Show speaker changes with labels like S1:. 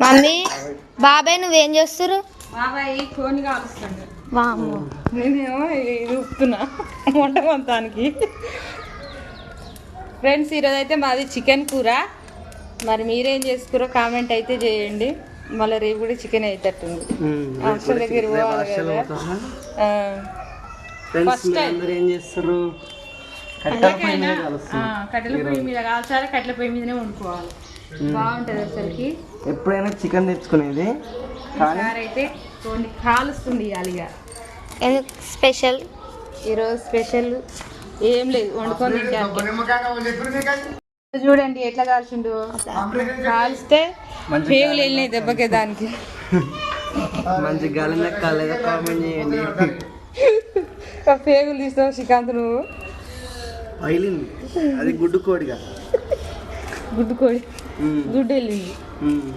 S1: Mummy బాబాయ్ నువ్వేం చేస్తురు?
S2: బాబాయ్ కోని కాలుస్తాడు.
S1: వామ్మో
S2: నేనేమో చూస్తున్నా వంట మొత్తానికి. ఫ్రెండ్స్ ఈరోజు అయితే మాది చికెన్ కూర. మరి మీరేం చేసుకురో కామెంట్ అయితే చేయండి. మళ్ళీ రేపు కూడా చికెన్ అయితట్టుంది. హాస్టల్ దగ్గర పోవాలి కదా. ఫస్ట్ టైం కట్టెల పొయ్యి మీద కాల్చాలి, కట్టెల పొయ్యి మీదనే వండుకోవాలి. బాగుంటుంది అసలుకి.
S3: ఎప్పుడైనా చికెన్ తెచ్చుకునేది
S2: అయితే కొన్ని కాలుస్తుంది ఇక.
S1: స్పెషల్
S2: ఈరోజు స్పెషల్ ఏం లేదు, వండుకొని తింటాను. చూడండి ఎట్లా కాల్చిండు. కాల్స్తే పేగులు వెళ్ళినాయి దెబ్బకే. దానికి
S3: మంచి గాలి కాలేదా కామెంట్ చేయండి.
S2: పేగులు తీస్తావు శ్రీకాంత్ నువ్వు.
S3: అది గుడ్డు కోడిగా
S2: గుడ్డు కోడి గుడ్డు వెళ్ళింది.